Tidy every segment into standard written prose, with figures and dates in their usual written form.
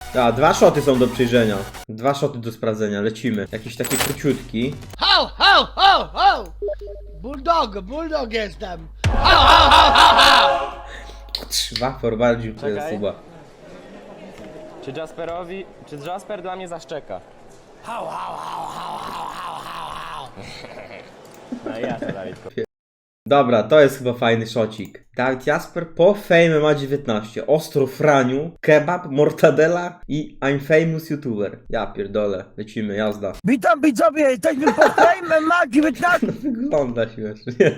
A, 2 szoty są do przyjrzenia. 2 szoty do sprawdzenia, lecimy. Jakiś taki króciutki. Ho, ho, ho, ho! Bulldog jestem! Ho, ho, ho, ho, ho! Wapor bardziej to jest Czekaj. chyba. Czy Jasper dla mnie zaszczeka? No i ja to, Dawidku. Dobra, to jest chyba fajny szocik. Dawid Jasper po Fame ma 19. Ostro Franiu, kebab, mortadela i I'm famous youtuber. Ja pierdolę, lecimy, jazda. Witam widzowie, jesteśmy po Fame ma 19. Wygląda śmiesznie.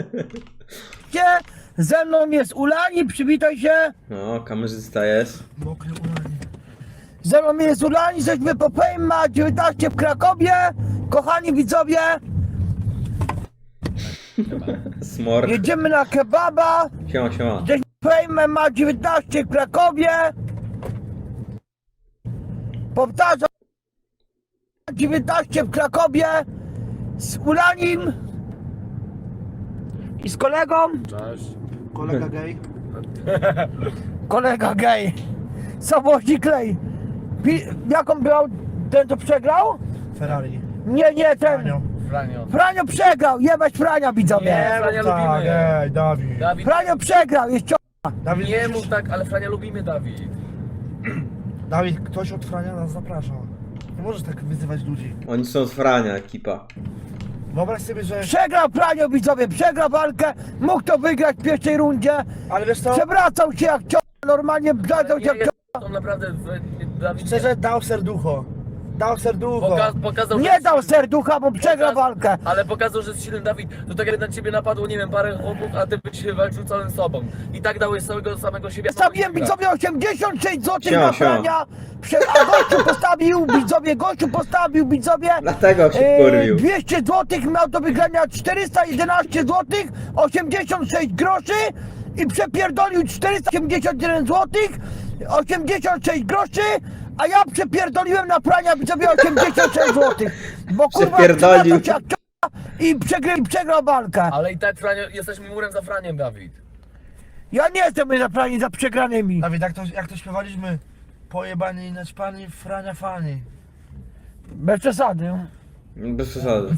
Ze mną jest Ulani, przywitaj się. No, kamerzysta jest. Mokry Ulani. Ze mną jest Ulani, jesteśmy po Fame ma 19 w Krakowie. Kochani widzowie, Smork. jedziemy na kebaba. Siema, siema. Jesteśmy po Fame ma 19 w Krakowie. Powtarzam, 19 w Krakowie z Ulanim i z kolegą. Kolega gay. Kolega gej. Samochodzi klej. Jaką brał ten, co przegrał? Ferrari. Nie, ten. Franio. Franio przegrał, jebać Frania widzowie. Nie, Frania tak, lubimy. ej, Dawid. Dawid, Franio przegrał, jest Dawid, nie mów tak, ale Frania lubimy, Dawid. Dawid, ktoś od Frania nas zaprasza. Nie możesz tak wyzywać ludzi. Oni są z Frania, ekipa. Wyobraź sobie, że... Przegrał Franio widzowie, przegrał walkę. Mógł to wygrać w pierwszej rundzie. Ale wiesz co? Przewracał się jak normalnie przewracał się jak On naprawdę, Dawid, Szczerze, dał serducho. Dał serducho. pokazał, nie dał serducha, bo przegrał walkę. Ale pokazał, że jest silny Dawid. To tak jak na ciebie napadło, nie wiem, parę chłopów, a ty byś walczył całym sobą. I tak dałeś całego samego siebie. Stawiłem widzowie 86 zł Siema, na siema. Frania. A gościu postawił widzowie. Dlatego się wkurwił. 200 zł miał do wygrania 411 zł, 86 groszy i przepierdolił 481 zł, 86 groszy, a ja przepierdoliłem na Frania widzowie 86 zł. Bo kurwa Przepierdolił. przewracał się jak i przegrał walkę. Ale i tak, Franio, jesteśmy murem za Franiem, Dawid. Ja nie jestem za Frani, za przegranymi. Dawid, jak to śpiewaliśmy? Pojebani i naćpani, Frania fani. Bez przesady. Bez przesady.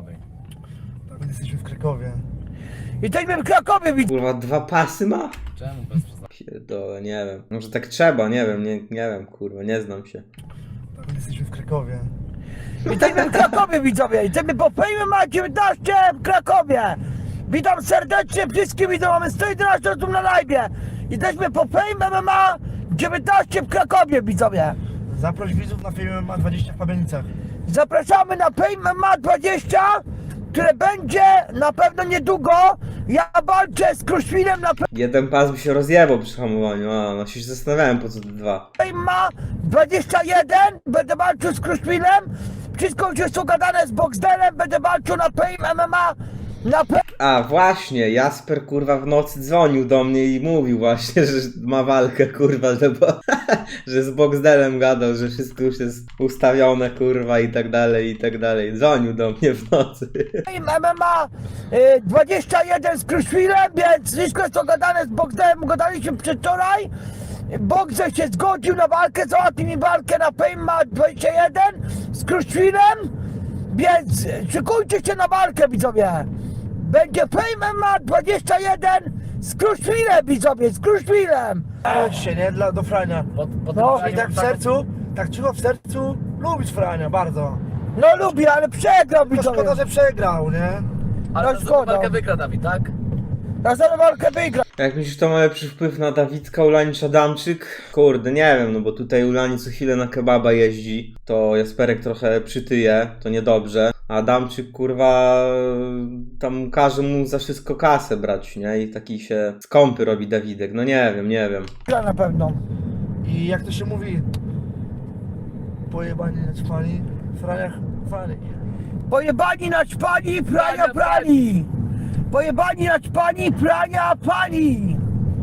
Dawid, jesteśmy w Krakowie. I jesteśmy w Krakowie widzowie. Kurwa, 2 pasy ma? Czemu bez przesady? Pierdolę, nie wiem. Może tak trzeba, nie wiem, nie wiem, kurwa, nie znam się. Dawid, jesteśmy w Krakowie. Jesteśmy w Krakowie widzowie, jesteśmy po Fame ma 19 w Krakowie. Witam serdecznie wszystkich widzów, mamy 111 osób na live. Jesteśmy po Fame ma 19 w Krakowie widzowie. Zaproś widzów na filmie ma 20 w Pabianicach. Zapraszamy na Fame ma 20, które będzie na pewno niedługo. Ja walczę z Kruszwilem na Jeden pas by się rozjebał przy hamowaniu, a no się zastanawiałem po co te 2. Fame ma 21, będę walczył z Kruszwilem. Wszystko już jest ugadane z Boxdelem, będę walczył na Fame MMA. Na A właśnie, Jasper kurwa w nocy dzwonił do mnie i mówił właśnie, że ma walkę kurwa, że z Boxdelem gadał, że wszystko już jest ustawione kurwa i tak dalej, i tak dalej. Dzwonił do mnie w nocy. Fame MMA 21 z Kruszwilem, więc wszystko jest ugadane z Boxdelem, ugadaliśmy przedwczoraj. Boxer się zgodził na walkę, załatwił mi walkę na Fame ma 21 z Kruszwilem, więc szykujcie się na walkę widzowie. Będzie Fame ma 21 z Kruszwilem widzowie, z Kruszwilem. Chodź się, nie? Do Frania. No, I tak w sercu, tak cicho w sercu, lubisz Frania bardzo. No lubię, ale przegrał To widzowie. szkoda, że przegrał, nie? Ale No to szkoda. walkę wygra Dawid, tak? Na za walkę wygra. Jak myślisz, to ma lepszy wpływ na Dawidka, Ulani czy Adamczyk? Kurde, nie wiem, no bo tutaj Ulani co chwilę na kebaba jeździ, to Jasperek trochę przytyje, to niedobrze. A Adamczyk, kurwa, tam każe mu za wszystko kasę brać, nie? I taki się skąpy robi Dawidek, no nie wiem, nie wiem. Gra na pewno. I jak to się mówi? Pojebani, naćpani, Frania fani. Pojebani naćpani, prania prani. Pojebani naćpani, prania pani.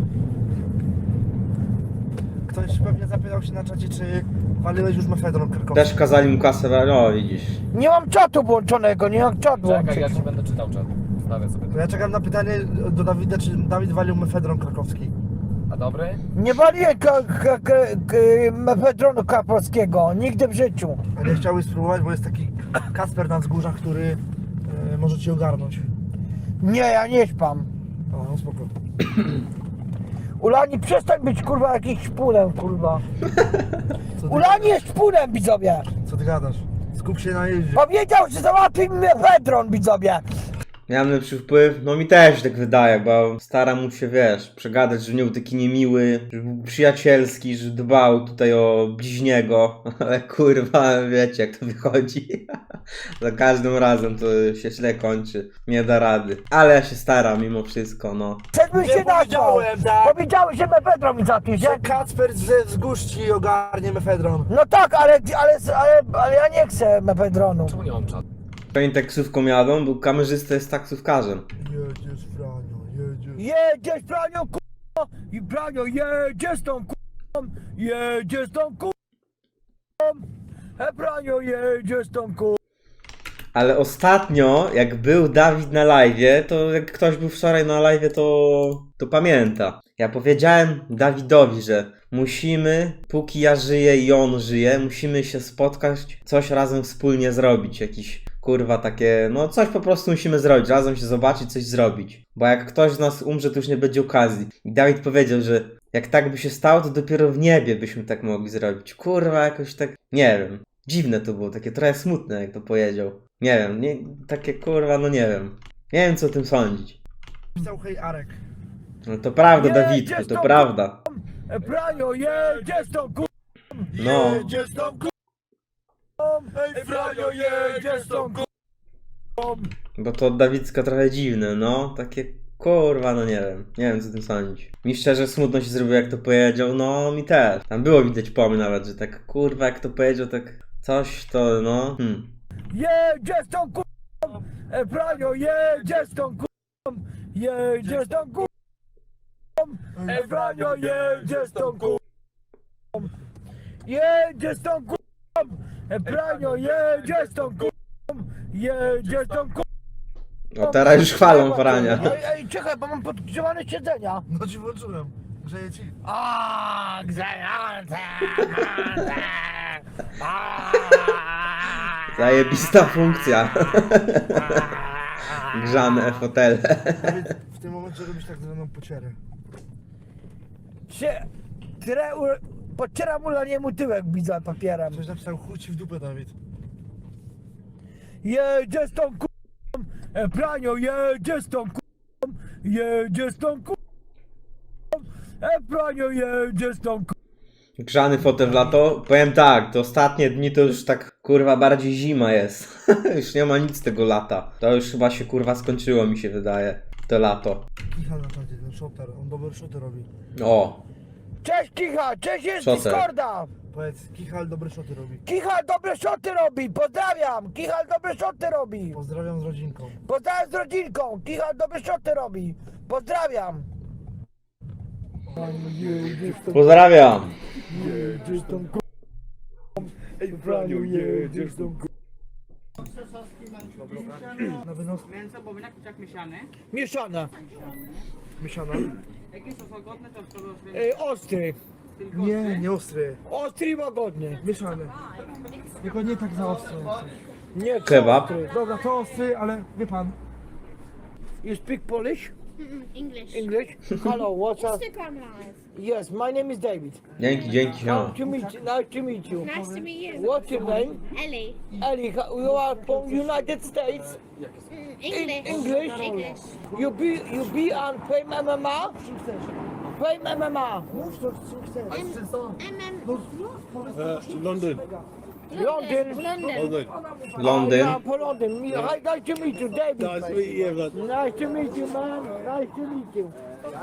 Ktoś pewnie zapytał się na czacie, czy waliłeś już mefedron krakowski. Też kazali mu kasę brać, no widzisz. Nie mam czatu włączonego, nie mam czatu Czekaj, ja włączonego. ci będę czytał czat. Stawię sobie To ja czekam na pytanie do Dawida, czy Dawid walił mefedron krakowski. A dobry? Nie waliłem mefedronu kaprowskiego, nigdy w życiu. A nie chciałbyś spróbować, bo jest taki Kacper na wzgórzach, który może ci ogarnąć. Nie, ja nie śpam. O, no spoko. Ulani, przestań być kurwa jakimś szpulem, kurwa. Co ty, Ulani jest szpulem, widzowie. co ty gadasz? Skup się na jeździe. Powiedział, że załatwi mi mefedron, widzowie. Miałem lepszy wpływ, no mi też tak wydaje, bo staram mu się, wiesz, przegadać, że nie był taki niemiły, że był przyjacielski, że dbał tutaj o bliźniego, ale kurwa, wiecie jak to wychodzi. Za każdym razem to się źle kończy, nie da rady. Ale ja się staram mimo wszystko, no. Przedbym się nazwał. powiedziałem, tak? Powiedziałeś, że mefedron mi załatwisz, nie? Że Kacper ze wzgórz ci ogarnie mefedron. No tak, ale ja nie chcę mefedronu. Czemu nie mam czatu? Oni taksówką jadą, bo kamerzysta jest taksówkarzem. Jedziesz, Franio, jedziesz. Jedziesz, Pranio, kurwa! I Pranio, jedziesz tą kurwą! Jedziesz tą kurwą! Pranio, jedziesz tą kurwą! Ale ostatnio, jak był Dawid na live'ie, to jak ktoś był wczoraj na live'ie, to pamięta. Ja powiedziałem Dawidowi, że musimy, póki ja żyję i on żyje, musimy się spotkać, coś razem wspólnie zrobić. Jakiś, kurwa, takie, no coś po prostu musimy zrobić, razem się zobaczyć, coś zrobić. Bo jak ktoś z nas umrze, to już nie będzie okazji. I Dawid powiedział, że jak tak by się stało, to dopiero w niebie byśmy tak mogli zrobić. Kurwa, jakoś tak, nie wiem. Dziwne to było, takie trochę smutne, jak to powiedział. Nie wiem, takie kurwa, no nie wiem. Nie wiem, co o tym sądzić. Pisał hej Arek. No to prawda, Nie, Dawidku, gdzieś to tam- prawda. Pranio, jedziesz tą kurwą! No, Jedziesz tą kurwą! Pranio, jedziesz tą kurwą! bo to od Dawidska trochę dziwne, no. Takie kurwa, no nie wiem. Nie wiem, co o tym sądzić. Mi szczerze smutno się zrobiło, jak to powiedział, no mi też. Tam było widać po mnie nawet, że tak kurwa, jak to powiedział, tak coś to, no. Jedziesz tą kurwą! Pranio, jedziesz tą kurwą! Jedziesz tą kurwą! Pranio, jedziesz tą kurwą! Jedziesz tą kurwą! Pranio, jedziesz tą kurwą! Jedziesz tą kurwą! No teraz już chwalą Frania. Ej, czekaj, bo mam podgrzewane siedzenia. No ci włączyłem. Grzeje ci. A, grzające! Zajebista funkcja. Grzane fotele. Dawid, w tym momencie robisz tak zwaną pocierę. Podcieram ulaniemu tyłek, widzę papierem. Coś napisał chuj ci w dupę, Dawid. Jedziesz tą kurwą, Pranio, jedziesz tą kurwą, jedziesz tą kurwą, Pranio, jedziesz tą kurwą. Grzany fotel w lato? Powiem tak, te ostatnie dni to już tak kurwa bardziej zima jest. Już nie ma nic tego lata. To już chyba się kurwa skończyło, mi się wydaje. To lato. Kichal na czacie, ten shotter, on dobre shoty robi. O, Cześć Kicha, cześć jest Szoter. Discorda. Powiedz, Kichal dobre shoty robi. Kichal dobre szoty robi, pozdrawiam. Kichal dobre szoty robi. Pozdrawiam z rodzinką. Pozdrawiam z rodzinką. Kichal dobre szoty robi. Pozdrawiam. pozdrawiam. Jedziesz tą kurwą, Praniu, jedziesz tą kurwą. Na wynos Mięso, bobinak, kurczak mieszany. Mieszana. miesiana. Jakie są łagodne, to Ostry. Nie, nie ostry. Ostry i łagodny. Mieszany. Tylko nie tak za ostro. Nie Kebab. ostry. Dobra, to ostry, ale wie pan. You speak Polish? English. English? Hello, what's up? Instagram live. Yes, my name is David. Dzięki, dzięki, Nice no. to meet you. Nice to meet you. Nice to meet you. What's your name? Ellie. Ellie, you are from United States. English. English? English. You be on Fame MMA? Fame MMA. London. London. Londyn. Yeah, for London. Hi, nice to meet you, David. Nice to meet you, man. Nice to meet you, man. Nice to meet you.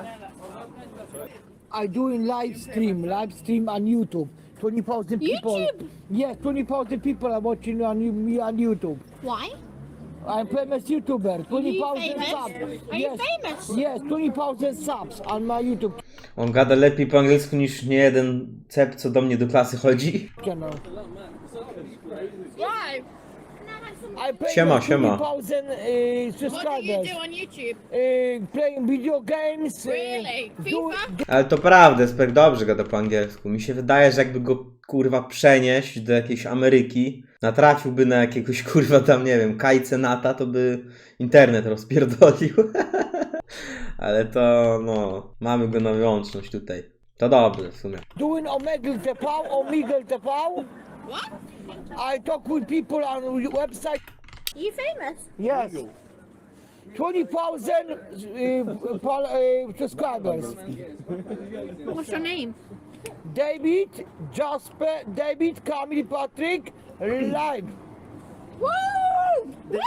I doing live stream on YouTube. 20,000 people. YouTube? Yes, 20,000 people are watching me on YouTube. Why? I'm famous YouTuber. 20,000 famous? subs. Are you famous? Yes, 20,000 subs on my YouTube On gada lepiej po angielsku niż nie jeden cep, co do mnie do klasy chodzi. channel. Why? I pay Siema, siema. 20,000 What do you subscribers. do on YouTube? Playing video games. Really? FIFA? Ale to prawda, Sperk dobrze gada po angielsku. Mi się wydaje, że jakby go kurwa przenieść do jakiejś Ameryki, natrafiłby na jakiegoś kurwa tam, nie wiem, Kajcenata, to by internet rozpierdolił. Ale to, no, mamy go na wyłączność tutaj. To dobrze w sumie. Doing Omegle TV, Omegle TV. What? I talk with people on website. You famous? Yes. 20,000 subscribers. What's your name? David, Jasper, David, Camille, Patrick, live. Woo! Woo!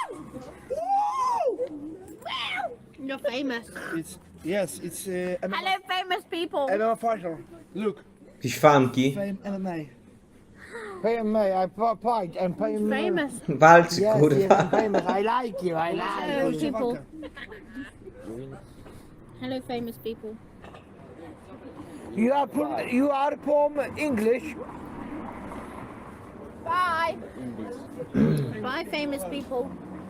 Woo! You're famous. It's MMA, Hello, famous people. MMA fighter. Look, Jakieś fanki. fame MMA. Pay me, I fight and pay me. Famous. Walczy, Yes, yes, kurwa. I'm famous. I like you. I like Hello, you. people. Hello, famous people. You are from English. Bye. Bye, famous people.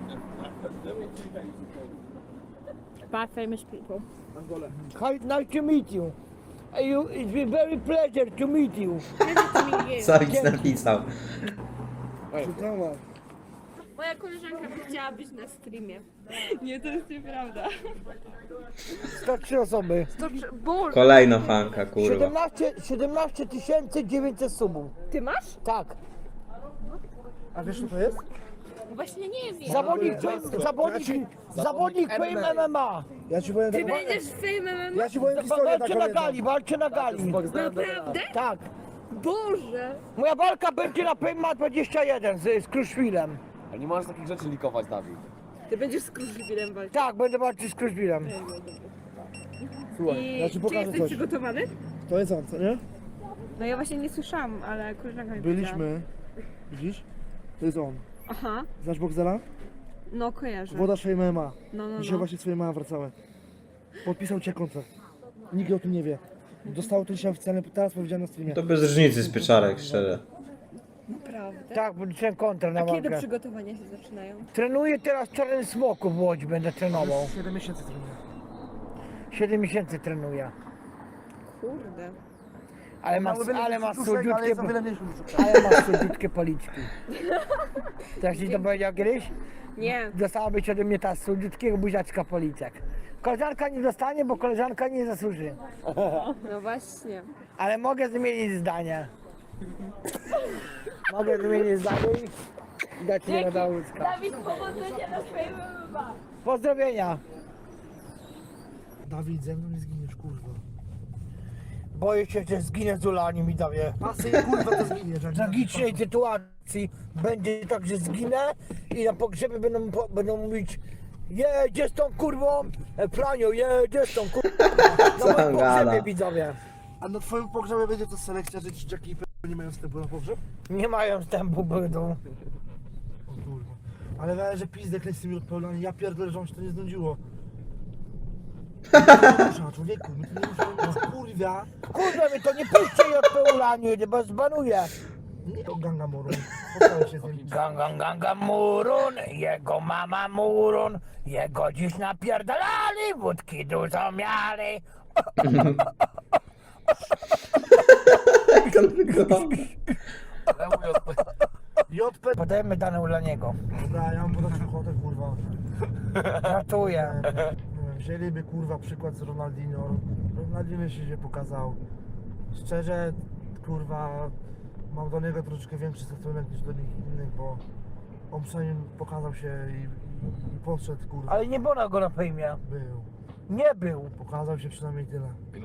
Bye, famous people. Hi, nice to meet you. It's been very pleasure to meet you. Pleasure to meet you. Sawic napisał. Moja koleżanka by chciała być na streamie. Nie, to jest nieprawda. 103 osoby. Kolejna fanka, kurwa. 17 900 subów. Ty masz? Tak. A wiesz co to jest? Właśnie nie wiem. Zawodnik Fame MMA. Ja ci powiem Ty tak, będziesz Fame MMA? ja ci powiem historię Walczy taką na jedną. gali, walczy na gali. Naprawdę? Tak. Boże! Moja walka będzie na Fame 21 z Kruszwilem. A nie możesz takich rzeczy likować, Dawid. Ty będziesz z Kruszwilem walczyć. Tak, będę walczyć z Kruszwilem. Słuchaj, ja ci Czy pokażę jesteś coś. przygotowany? To jest on, co nie? No ja właśnie nie słyszałam, ale koleżanka mi powiedziała. Byliśmy, widzisz? To jest on. Aha, Znasz Boxdela? no kojarzę. Włodarz Fame MMA. No. Dzisiaj właśnie swoje MMA wracały. Podpisał cię kontrakt. Nikt o tym nie wie. Dostało to dzisiaj oficjalnie, teraz powiedziałem na streamie. To bez różnicy z pieczarek, szczerze. Naprawdę? Tak, będę kontra na A kiedy walkę. przygotowania się zaczynają? Trenuję teraz w Czarnym Smoku w Łodzi, będę trenował. 7 miesięcy trenuję. 7 miesięcy trenuję. Kurde. Ale ma słodziutkie, Ale jest o wiele mniejszy brzuszek. ale ma słodziutkie policzki. Też ci to powiedział kiedyś? Nie. Dostałabyś ode mnie ta słodziutkiego buziaczka policzek. Koleżanka nie dostanie, bo koleżanka nie zasłuży. No właśnie. Ale mogę zmienić zdanie. Mogę zmienić zdanie i dać je do Dałucka. Dawid, powodzenia na swoim MMA. Pozdrowienia. Dawid, ze mną nie zginiesz, kurwa. Boję się, że zginę z Ulani, mi dawie. Pasy, kurwa, to zginiesz. jak W tragicznej sytuacji będzie tak, że zginę i na pogrzebie będą mówić: jedzie z tą kurwą, Franio, jedzie z tą kurwą. Co Na on moim gada? pogrzebie widzowie. A na twoim pogrzebie będzie to selekcja, że dzieciaki i nie mają wstępu na pogrzeb? Nie mają wstępu, będą. O kurwa. Ale wiem, że pizdek jest z tymi odpełniami. Ja pierdolę, że on się to nie znudziło. Musza, człowieku, my to nie musimy, kurwa. Kurwa mi to nie puśćcie jej od Ulani, bo zbanuję. Nie to ganga moru. Poznałem się z nim. Ganga Murun, jego mama Murun, jego dziś napierdalali, wódki dużo mieli. Jak on wygląda? JP. Podajemy dane Ulaniego. Dobra, ja mam podać ochotę, kurwa. Ratuję. Nie wiem, wzięliby, kurwa, przykład z Ronaldinho. Ronaldinho się nie pokazał. Szczerze, kurwa, mam do niego troszeczkę większy stosunek niż do nich innych, bo on przynajmniej pokazał się i podszedł, kurwa. Ale nie było go na fejmie. Był. Nie był. Pokazał się przynajmniej tyle.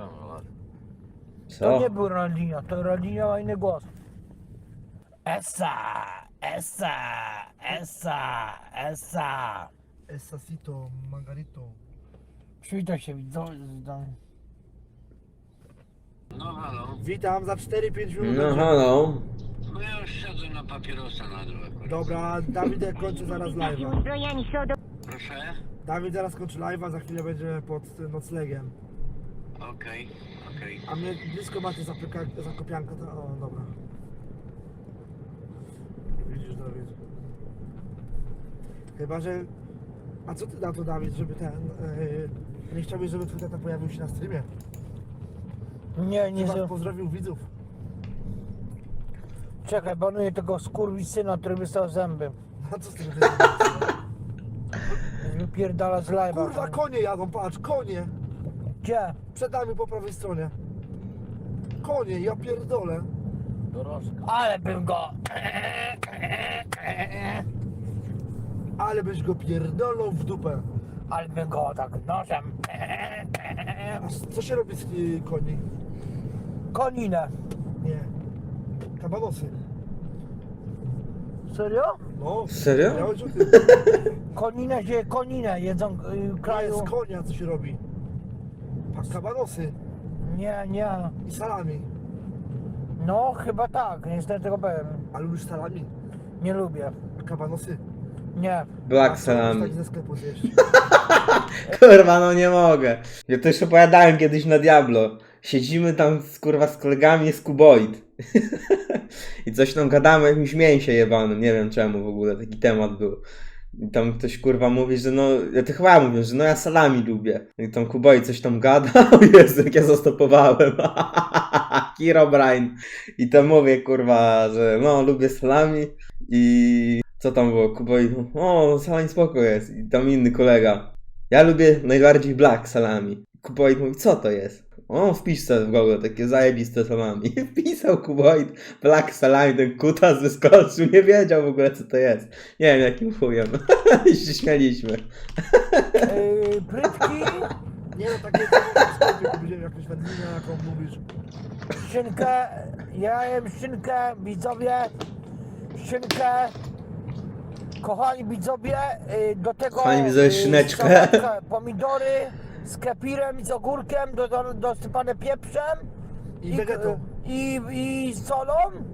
To Co? nie był Ronaldinho, to Ronaldinho ma inny głos. Essa, essa, essa, essa. Esasito, Margarito. Przywitaj się, widzą. Witam za 4-5 minut. No halo. No ja już siedzę na papierosa na dół akurat. Dobra, Dawid kończy zaraz live'a. Proszę? Dawid zaraz kończy live'a, za chwilę będzie pod noclegiem. Okej. A mnie blisko macie Zakopianka, to... O, dobra. Widzisz, Dawid. Chyba, że... A co ty na to, Dawid, żeby ten... nie chciałbyś, żeby twój tata pojawił się na streamie? Nie, Chyba pozdrowił widzów. czekaj, banuję tego skurwysyna, który wystał zęby. A co z tym? Wypierdala z live'a. Kurwa, konie jadą, patrz, konie! Gdzie? Przed nami po prawej stronie. Konie, ja pierdolę. Dorożka. Ale bym go... Ale byś go pierdolą w dupę. Ale bym go tak nożem... A co się robi z koni? Koninę. Nie. Kabanosy. Serio? No. Serio? Miałeś o tym. Koninę jedzą w kraju. Z konia co się robi? Kabanosy Nie. i salami. No, chyba tak, niestety tego powiem. A lubisz salami? Nie lubię. A kabanosy? Nie. Black Tak salami. ze sklepu zjeść. Kurwa, no nie mogę. Ja to już opowiadałem kiedyś na Diablo. Siedzimy tam kurwa z kolegami z Kuboid. I coś tam gadamy o jakimś mięsie jebanym. Nie wiem czemu w ogóle taki temat był. I tam ktoś kurwa mówi, że no, ja to chyba mówię, że no ja salami lubię. I tam Kuboid coś tam gada. O Jezu, jak ja zastopowałem. Herobrine. I tam mówię kurwa, że no lubię salami. I co tam było? Kuboid, o salami spoko jest. I tam inny kolega. Ja lubię najbardziej black salami. Kuboid mówi, co to jest? O, wpisz sobie w Google takie zajebiste salami. Wpisał Kuboid black salami, ten kutas wyskoczył, nie wiedział w ogóle co to jest. Nie wiem jakim chujem. I się śmialiśmy. Prytki, Nie no, takie w sklepie kupiłem jakąś wędlinę, jaką mówisz. szynkę, ja jem szynkę, widzowie, szynkę. Kochani widzowie, do tego Kochani widzowie, szyneczkę. sałatkę, pomidory z kefirem i z ogórkiem, dosypane pieprzem I wegetą. i solą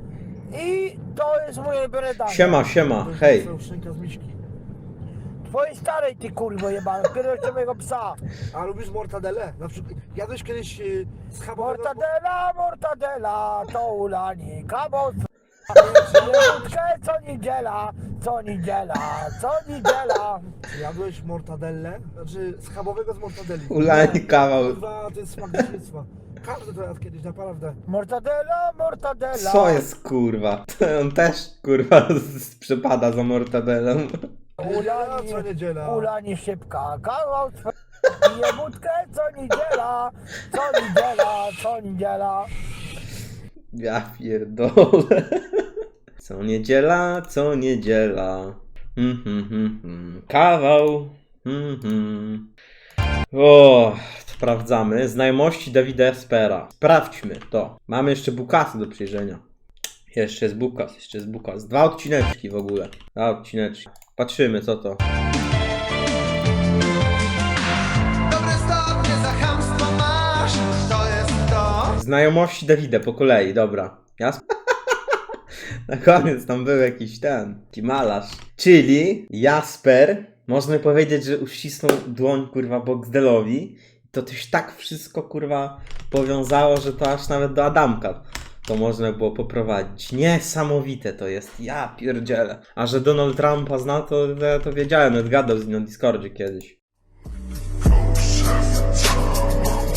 i to jest moje ulubione danie. Siema, hej. To jest szynka z miśki. Twojej starej ty kurwo jebany, pierwszego mojego psa. A lubisz mortadelle? Na przykład, jadłeś kiedyś schabowego... Mortadela, to ulani, kabos. Wódkę co niedziela. Jadłeś mortadelle? Znaczy schabowego z mortadelli. Ulani kawał. Kurwa, to jest smak dzieciństwa. Każdy to jadł kiedyś, naprawdę. Mortadela. Co jest kurwa? On też kurwa przepada za mortadelą. Co niedziela. Ulani szybka, kawał pije wódkę co niedziela. Ja pierdolę. Co niedziela. Kawał. O, sprawdzamy. Znajomości Dawida Espera. Sprawdźmy to. Mamy jeszcze Bukasy do przejrzenia. Jeszcze jest Bukas. 2 odcineczki w ogóle. 2 odcineczki. Patrzymy co to. Dobre stopnie za chamstwo masz, to jest to. Znajomości Dawida po kolei, dobra. Jasne? Na koniec tam był jakiś taki malarz. Czyli Jasper, można powiedzieć, że uścisnął dłoń kurwa Boxdelowi. To też tak wszystko kurwa powiązało, że to aż nawet do Adamka to można było poprowadzić. Niesamowite to jest, ja pierdzielę. A że Donald Trumpa zna, to wiedziałem, nawet gadał z nim na Discordzie kiedyś.